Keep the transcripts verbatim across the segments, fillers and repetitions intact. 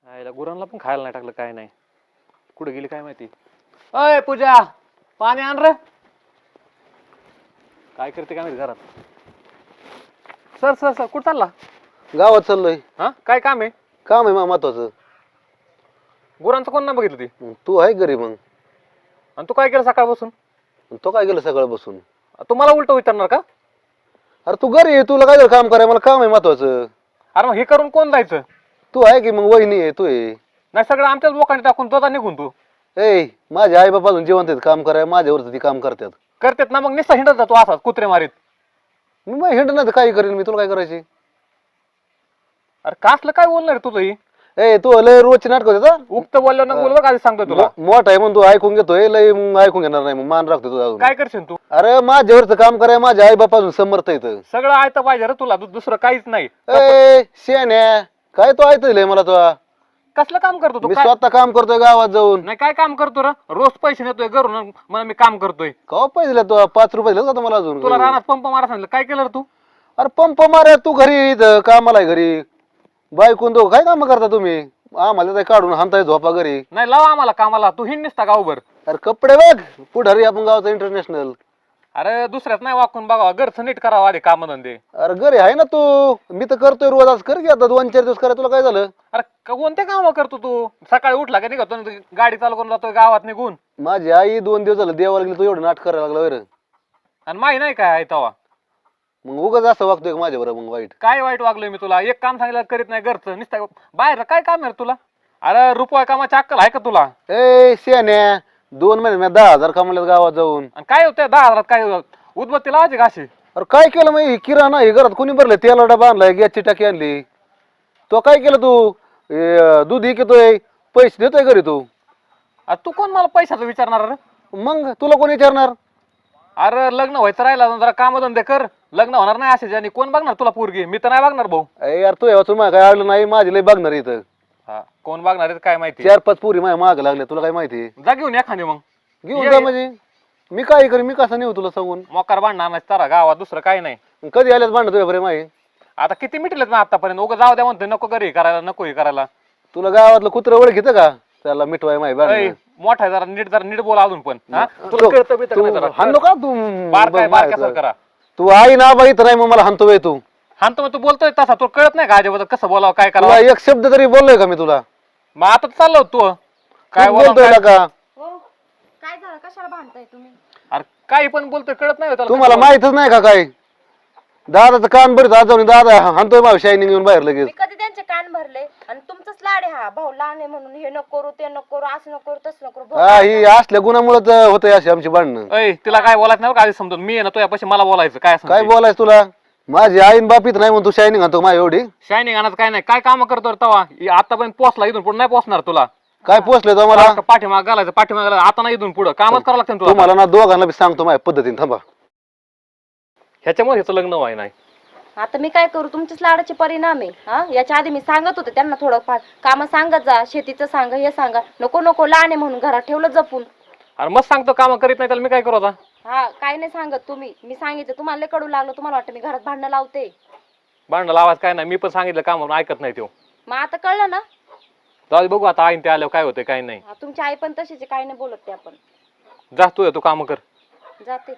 आईला गुरांना पण खायला नाही टाकलं, काय नाही. कुठे गेली काय माहिती. अय पूजा, पाणी आण रे. काय करते काय माहिती घरात. सर सर सर कुठं चालला? गावात चाललोय. हा काय काम आहे? काम आहे मा महत्वाचं. गुरांचं कोण नाही बघितलं ती? तू आहे घरी मग? आणि तू काय केलं सकाळपासून? तो काय केलं सकाळ बसून? तू मला उलट विचारणार का? अरे तू घरी आहे, तुला काय काम कराय, मला काम आहे महत्वाचं. अरे मग हे करून कोण जायचं? तू आहे की मग, वहिनी आहे, तू आहे. नाही सगळं आमच्याच लोकांनी टाकून तो निघून तू. ए माझे आई बाबा अजून जिवंत आहेत, काम कराय माझ्यावरच ती काम करतात. करतेत ना, मग निस्ता हिंडत जातो असाच कुत्रे मारीत. मी मग हिंड नाही तर काही करेन मी, तुला काय करायची? अरे कासलं काय बोलणार रे तुझं ही? ए तू लय रोजची नाटक होते. उक्त बोललो ना बोल बघ, आधी सांगतो तुला. मोठा आहे म्हणून तू ऐकून घेतोय, लय मग ऐकून घेणार नाही, मग मान राखतो तुझा अजून. काय करशील तू? अरे माझ्यावरच काम कराय माझ्या आई बापा अजून समर्थ येत. सगळं आयतं पाहिजे रे तुला, दु- दुसरं काहीच नाही. ए शेण्या, काय तू ऐकलंय मला तुला? कसलं काम करतो तू? मी काय- स्वतः काम करतोय गावात जाऊन. नाही काय काम करतो रे? रोज पैसे नेतोय घरून, मला मी काम करतोय. का पैसे दिले तू? पाच रुपये दिले का मला अजून? तुला रानात पंप मारा सांगितलं, काय केलं रे तू? अरे पंप मारा, तू घरी इथं कामाला आहे घरी. बायकून दो काय काम करता तुम्ही? आम्हाला ते काढून हाणताय झोपा घरी. नाही लावा आम्हाला कामाला, तू हिंड निसता गावभर. अरे कपडे बघ, पुढारी आपण गावचा इंटरनॅशनल. अरे दुसऱ्यात नाही वाकून बघावा, घरचं नीट करावं आधी काम धंदे. अरे घरी आहे ना तू, मी तर करतोय रोज. आज कर की आता दोन चार दिवस करा, तुला काय झालं? अरे क- कोणते काम करतो तू? सकाळी उठला का निघतो ना, गाडी चालू करून जातोय गावात निघून. माझी आई दोन दिवस झालं देवाला गेली, तू एवढं नाट करायला लागला बरं. आणि माही नाही काय आहे तवा. मग उगाच असं वागतोय का माझ्या बरोबर? मग वाईट काय वाईट वागलोय मी तुला? एक काम सांगितलं करीत नाही घरचं, नुसतं बाहेर काय काम आहे रे तुला? अरे रुपया कामाची अक्कल आहे का तुला? ए शेण्या, दोन महिने मी दहा हजार कमवल्यात गावात जाऊन. आणि काय होतं दहा हजारात? काय उदबत्ती लावायची का अशी? अरे काय केलं मग? ही किराणा हे घरात कोणी भरलं? तेला डबा आणलाय, गॅसची टाकी आणली. तो काय केलं तू? हे, दूध विकतोय, पैसे देतोय घरी तू. अरे तू कोण मला पैशाचं विचारणार रे? मग तुला कोण विचारणार? अरे लग्न व्हायचं राहिला जरा काम धंदे कर, लग्न होणार नाही असे ज्याने. कोण बघणार तुला पोरगी? मी तर नाही बघणार भाऊ. अरे यार तू यावं तुम्हाला काय आलं नाही, माझी लय बघणार इथं. हा कोण बघणार आहे काय माहिती? चार पाच पुरी माझ्या माग लागल्या, तुला काय माहिती? जा घेऊन एखादी मग. घेऊन ये- जा म्हणजे मी काय करेन? मी कसं नेऊ तुला सांगून? मोकार भांडणार नाही तारा गावात, दुसरं काही नाही. कधी आल्यास भांडत तुझ्या बरे माही? आता किती मिटलेत ना आतापर्यंत? उगा जाऊ द्या म्हणतोय, नको घरी करायला, नको हे करायला. तुला गावातलं कुत्रं ओळखीचं का? त्याला मिठवाय माही ऐ, भांडण. मोठा आहे जरा, नीट जरा नीट बोला अजून पण. हा? तुला कळतं बिळतं का नाही जरा? हाणलो का तू? बारकाय बघ बारक्या माझं. करा. तू आई ना बाई तर नाही, मग मला हाणतो बाई तू. हा तर मग तू बोलतोय तसा, तुला कळत नाही का अजिबात कसं बोलावं काय तुला करावं? एक शब्द तरी बोललोय का मी तुला? मग आता चाललो तू काय तू बोलावं बोलतोय काय- ना का? हो काय झालं, कशाला भांडताय तुम्ही? अरे काही पण बोलतोय, कळत नाही हो त्याला तुम्हाला कसं माहितच नाही का काय? दादाचं कान बरं आज जाऊन दादा हाणतोय माझ्या शायनिंग येऊन बाहेर लगेच. मी कधी त्यांचे कान भरले? आणि तुमचंच लाड आहे हा, भाऊ लहान आहे म्हणून हे नको करू, ते नको करू, असं नको करू, तसं नको करू. भाऊ हा ही असल्या गुणामुळेच होतंय अशी आमची भांडणं. ऐ तिला काय बोलायचं नाही बरं का, आधी समजून. मी आहे ना तुझ्यापाशी मला बोलायचं काय काय सांगते? बोलायचं तुला? माझी आईन बापीत नाही म्हणून तू शायनिंग आणतो माझ्या एवढी? शायनिंग आणत काय नाही, काय काम करतो रे तवा? आतापर्यंत पोचला, इथून पुढे नाही पोचणार तुला. काय पोचले तुम्हाला? पाठीमाग घालायचं, पाठीमाग घालायचं. आता नाही इथून पुढे कामच करावं लागतं ना तुला. तुम्हाला ना दोघांना बी सांगतो माझ्या पद्धतीने, थांबा. ह्याच्यामुळे ह्याचं लग्न व्हाय नाही. आता मी काय करू? तुमच्याच लाडाचे परिणाम आहे. हा याच्या आधी मी सांगत होते त्यांना, थोडं फार काम सांगत जा, शेतीचं सांगा, हे सांगा. नको नको, लहान आहे म्हणून घरात ठेवलं जपून. अरे मग सांगतो काम करीत नाही त्याला मी काय करू आता? हा काय नाही सांगत तुम्ही, मी सांगितलं तुम्हाला लय कडू लागलं, तुम्हाला वाटतं मी घरात भांडणं लावते. भांडण आवाज काय नाही, मी पण सांगितलं काम म्हणून ऐकत नाही तो. मग आता कळलं ना? जाऊ दे, बघू आता आईन ते आल्यावर काय होतंय काय नाही. हा, तुमची आई पण तशीच आहे, काय नाही बोलत ते. आपण जा तू तू काम कर. जाते.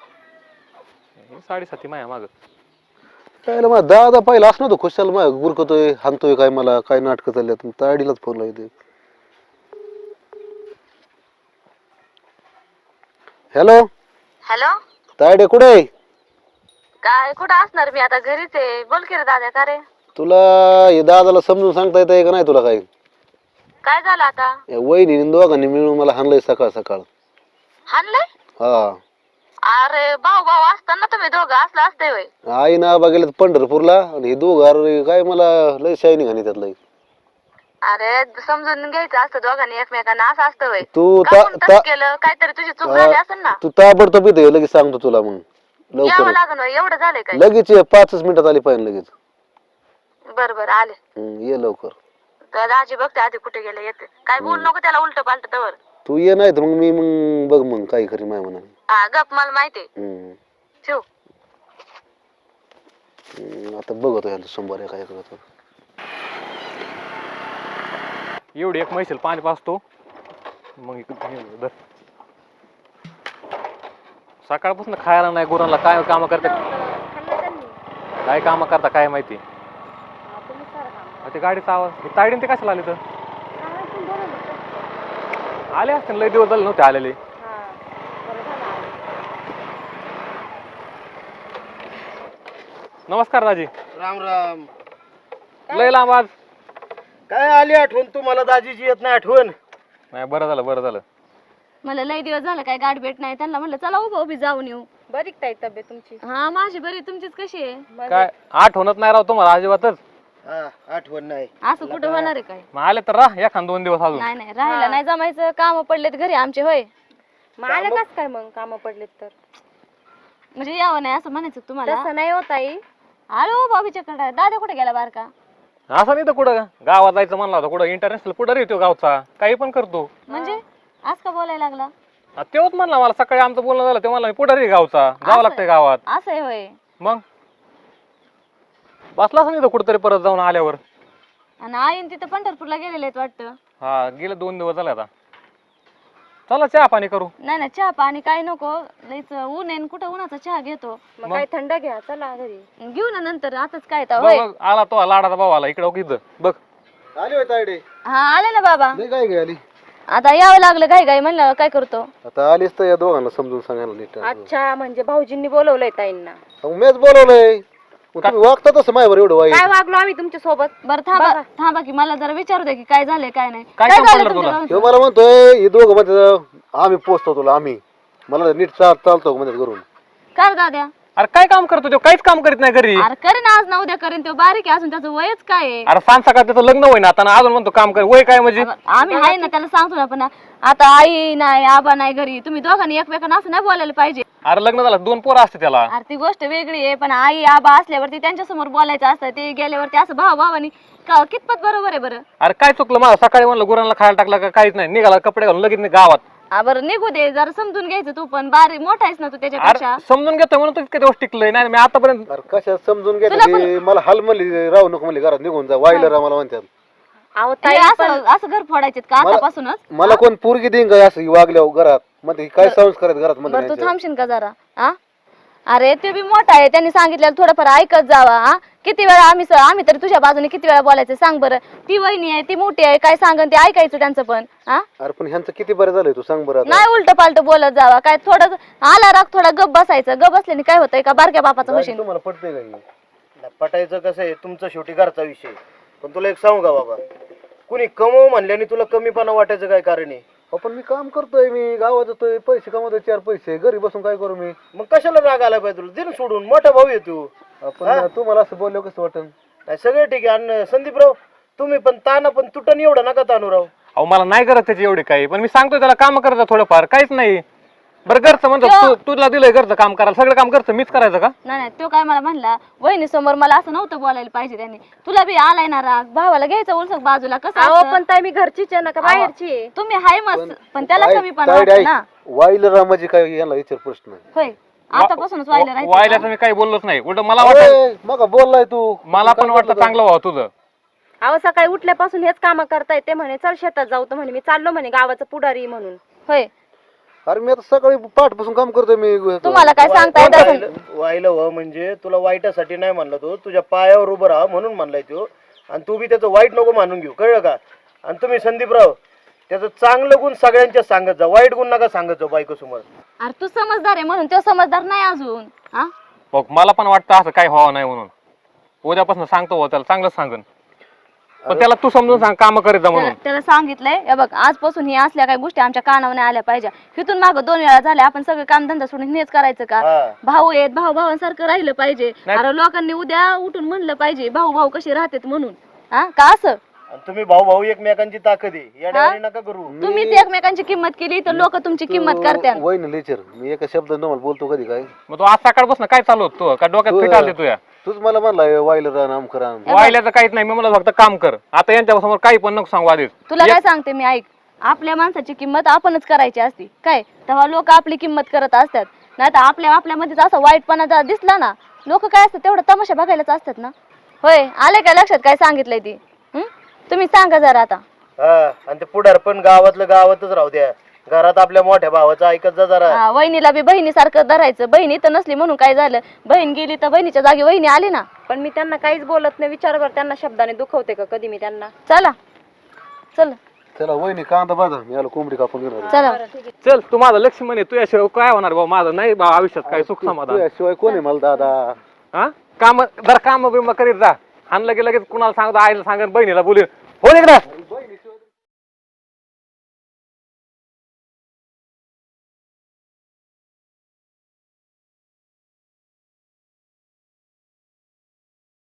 साडेसाती माया माग. त्याला मग दादा पहिला असं नव्हतं खुशाल मग गुरकतोय हाणतोय काय, मला काय नाटकं चालल्यात. ताडीलाच फोन लावते. हॅलो हॅलो, तायडे कुठे आहे? काय कुठं असणार मी? आता घरीच आहे. बोल की रे दादा. का रे? तुला हे दादाला समजून सांगता येत का नाही तुला? काय काय झालं आता? या वहिनी दोघांनी मिळून मला हाणलंय सकाळ सकाळ. हाणलंय? हा अरे भाऊ भाऊ असताना तुम्ही दोघं असलं असते होय? आई ना आबा गेलेत पंढरपूरला, आणि हे दोघं अरे काय मला लय शायनिंग आणि त्यातलं. अरे समजून घ्यायचं असतं दोघांनी एकमेकांना, असं असतं होय? तू का ता- म्हणून ता- तसं केलं? काहीतरी तुझी चूक झाली असेल ना? तू ताबडतोब इथे ये, लगेच सांगतो तुला. मग यावं लवकर लागन होय, एवढं झालंय काय? लगेच ये, पाचच मिनिटात आली पाहिजे लगेच. बर बर आले. हम्म, ये लवकर. तर दाजी बघते आधी कुठे गेले, येते. काय बोल नको त्याला उलट पालट तवर. तू ये नाही तर मग मी मग बघ मग काय करी माय म्हणा. हा गप, मला माहिती. हम्म. ठेव. हम्म, आता बघतो यांचं सोमवार काय करतो. एवढी एक म्हैसेल पाणी पाचतो मग इकडे हे धर. सकाळपासून खायला नाही गुरांना काय काम करतात खाल्लं त्यांनी. काय काम करता काय माहिती. हा, तुम्ही सारं काम अहो, ते गाडीचा आवाज हे तायडीन ते कशाला आले तर हा, तुम्ही बोलवलं होतं. आले असते लय दिवस झाले नव्हते आलेले. हा, बरं झालं आले. नमस्कार दाजी. राम राम. लय लांब आज. काय आली आठवण तुम्हाला दाजीची येत नाही आठवण? नाही बरं झालं बरं झालं. मला लय दिवस झालं काय गाठ भेट नाही त्यांना म्हणलं चला उभं उभी जाऊन येऊ. बरी काय तब्येत तुमची? हा माझी बरी. तुमचीच कशी आहे? काय आठवणच नाही राव तुम्हाला अजिबातच. हा आठवण नाही. असं कुठं होणार आहे काय? मग आले तर राह एखाद दोन दिवस अजून. नाही नाही राहायला नाही जमायचं. काम पडलेत घरी आमचे. होय मग आले कस काय मग काम पडलेत तर म्हणजे यावं नाही असं म्हणायचं तुम्हाला? तसं नाही होत आई. आलो बाबीच्याकडे. दादा कुठे गेला बारका? असं नाही तर कुठं गावात जायचं म्हणला होता कुठं इंटरनॅशनल कुठं येतो गावचा काही पण करतो. म्हणजे आज का बोलायला लागला? हा, तेव्हाच म्हणला मला सकाळी आमचं बोलणं झालं ते म्हणला मी पुढारी गावचा जावं लागतंय गावात. असं आहे होय. मग बसला असं नाही तर कुठंतरी परत जाऊन आल्यावर. आणि आईन तिथं पंढरपूरला गेलेले आहेत वाटतं. हा गेले दोन दिवस झाले आता. चला चहा पाणी करू. नाही नाही चहा पाणी काय नको. लईच ऊन आहे. कुठं उन्हाचा चहा घेतो. मग काय थंड घ्या. चला घरी घेऊ ना नंतर. आताच काय तर बघ, बघ, आला तो लाडाचा भाऊ आला इकडे इथं बघ. आली होय तायडे. हा आले ना बाबा. नाही काय गे आली. आता यावं लागलं घाई घाई म्हणलं काय करतो. आता आलीस तर या दोघांना समजून सांगायला नीट. अच्छा म्हणजे भाऊजींनी बोलवलंय ताईंना. मग मीच बोलवलंय. मग तुम्ही वागता तसं माझ्यावर एवढं वाईट. काय वागलो आम्ही तुमच्या सोबत? बरं थांबा थांबा की मला जरा विचारू दे की काय झालंय काय नाही. काय काय काम झालं पडलं तुमच्या तुला? दोघांचं? हे मला म्हणतोय हे दोघं म्हणजे आम्ही पोचतो तुला आम्ही मला नीट चाल चालतो म्हणजे करून. कर दाद्या. अरे काय काम करतो तो काहीच काम करीत नाही घरी. अरे करेन आज ना उद्या करेन. तो बारीक आहे अजून. त्याचं वयच काय आहे? अरे सांग सकाळ त्याचं लग्न होईन आता आणि अजून म्हणतो काम कर. वय काय म्हणजे? आम्ही आहे ना त्याला सांगतो ना. पण आता आई नाही आबा नाही घरी. तुम्ही दोघांनी एकमेकांना असं नाही बोलायला पाहिजे. अरे लग्न झालं दोन पोरं असते त्याला. अरे ती गोष्ट वेगळी आहे. पण आई आबा असल्यावरती त्यांच्या समोर बोलायचं असतं. ते गेल्यावरती असं भाव भावानी कितपत बरोबर आहे बरं? अरे काय चुकलं मला सकाळी म्हणलं गुरांना खायला टाकलं का काहीच नाही निघाला कपडे घालून लगेच नाही गावात. हा, बरं निघू दे. जरा समजून घ्यायचं. तू पण बारीक मोठा आहेस ना तू त्याच्यापेक्षा. अरे समजून घेतोय म्हणून तर इतके दिवस टिकलोय नाही मी आतापर्यंत. अरे कशा समजून घेतलं मला हाल म्हणली राहू नको म्हणली घरात निघून जा वाईला राहा मला म्हणतात. अहो ताई असं असं घर फोडायचे का आतापासूनच? मला कोण पोरगी देईन का असं वागल्यावर घरात मध्ये काय संस्कार आहेत घरात बरं तू मध्ये. थांबशील का जरा? हा अरे ते बी मोठा आहे. त्यांनी सांगितलेलं थोडंफार ऐकत जावा. हा किती वेळा आम्ही स- आम्ही तरी तुझ्या बाजूने किती वेळा बोलायचं सांग बरं. ती वहिनी आहे ती मोठी आहे. काय सांगन ते ऐकायचं त्यांचं पण. हा अरे पण ह्यांचं किती बरं झालंय तू सांग बरं आता. नाही उलट पालट बोलत जावा. काय थोडं आला राग थोडा गप बसायचं. गप बसल्याने काय होतंय का बारक्या बापाचं काय मशीन. तुम्हाला पटतंय का हे? पटायचं कसं आहे तुमचा शेवटी घरचा विषय. पण तुला एक सांगू का बाबा कुणी कमव म्हणल्याने तुला कमीपणा वाटायचं काय कारण आहे? अहो, पण मी काम करतोय मी गावात जातोय पैसे कमवतोय चार पैसे घरी बसून काय करू मी. मग कशाला राग आला पाहिजे तुला? दिन सोडून मोठा भाऊ आहे तू. पण तुम्हाला असं बोललो कसं वाटन? नाही सगळं ठीक आहे. आणि संदीपराव तुम्ही पण ताना पण तुटन एवढं नका तानू राव. अहो मला नाही करत त्याची एवढी काही पण मी सांगतोय त्याला काम करायचं थोडंफार काहीच नाही. बरं घरचं म्हणतो तू तुला दिलंय घरचं काम करायला सगळं काम करतं मीच करायचं का? नाही नाही तो काय मला म्हणला वहिनी समोर मला असं नव्हतं बोलायला पाहिजे त्यांनी. तुला बी आलाय ना राग. भावाला घ्यायचं उलसक बाजूला कसं असतं? पण ताई मी घरचीच आहे ना का बाहेरची? तुम्ही हाय मस्त पण त्याला कमी पण वाटतं ना. वाईला राहा म्हणजे काय याला विचार प्रश्न आहे. होय आतापासूनच व्हायला राहायचं. वायल्याचं मी काही बोललोच नाही उलट मला वाटत अरे, मग बोललाय तू मला पण वाटतं चांगलं व्हावं तुझं. अहो सकाळी उठल्यापासून हेच काम करताय. ते म्हणे चल शेतात जाऊ. तर म्हणे मी चाललो म्हणे गावाचं पुढारी म्हणून. होय अरे मी आता सकाळी पाठपासून काम करतोय मी. तुम्हाला काय सांगता येत असेल? वाहिलं व्हा म्हणजे तुला वाईटासाठी नाही म्हणलं तो तुझ्या पायावर उभं राहा म्हणून म्हणलाय तो. आणि तू बी त्याचं वाईट नको मानून घेऊ कळलं का? आणि तुम्ही संदीपराव त्याचं चांगलं गुण सगळ्यांच्या सांगत जा. वाईट गुण नका सांगत जाऊ बायको समोर. अरे तू समजदार आहे म्हणून तो समजदार नाही अजून. हा बघ मला पण वाटतं असं काही व्हावं नाही म्हणून उद्यापासून सांगतो हो त्याला चांगलं सांगन. पण त्याला तू समजून सांग काम करीत जा म्हणून. त्याला त्याला सांगितलंय हे बघ आजपासून ही असल्या काही गोष्टी आमच्या कानावर नाही आल्या पाहिजे. इथून मागं दोन वेळा झाल्या आपण सगळं काम धंदा सोडून हेच करायचं का? हा. भाऊ आहेत भाऊ भावांसारखं राहिलं पाहिजे. अरे लोकांनी उद्या उठून म्हणलं पाहिजे भाऊ भाऊ कसे राहतात म्हणून. हा का असं आणि तुम्ही भाऊ भाऊ एकमेकांची ताकद आहे येड्यावानी नका करू. तुम्हीच एकमेकांची किंमत केली तर लोक तुमची किंमत करतात. वय ना लेचर मी एका शब्दात तुम्हाला बोलतो कधी काय. मग तू आज सकाळपासून काय चालू होत तू का डोक्यात फिट आले तुया? तूच मला म्हणलाय वाईला राहा नाम करा. वायल्याचं काहीच नाही मी मला फक्त काम कर. आता यांच्या समोर काही पण नको सांगू आधीच. तुला काय सांगते मी ऐक. आपल्या माणसाची किंमत आपणच करायची असती काय. तेव्हा लोक आपली किंमत करत असतात. नाही तर आपल्या आपल्यामध्येच असा वाईटपणा जर दिसला ना लोक काय असतात तेवढं तमाशा बघायलाच असतात ना. होय आले काय लक्षात काय सांगितलंय ती? तुम्ही सांगा जरा आता. हा आणि ते पुढार पण गावातलं गावातच राहू द्या, घरात आपल्या मोठ्या भावाचं ऐकत जा जरा. हा, वहिनीला बी बहिणीसारखं धरायचं. बहिणी तर नसली म्हणून काय झालं, बहीण गेली तर बहिणीच्या जागी वहिनी आली ना. पण मी त्यांना काहीच बोलत नाही. विचार कर, त्यांना शब्दाने दुखवते का कधी मी त्यांना? चला चल चला वहिनी कांदा बाजा, मी आलो कोंबडी कापून घेणार. चला चल तू माझा लक्ष्मण आहे, तुझ्याशिवाय काय होणार भाऊ माझं नाही भाऊ आयुष्यात काय सुख समाधान. शिवाय कोण आहे मला दादा? हा काम जरा काम बिम करीत जा. आणलं की लगेच कुणाला सांगतो, आईला सांगेन, बहिणीला बोलून हो इकडं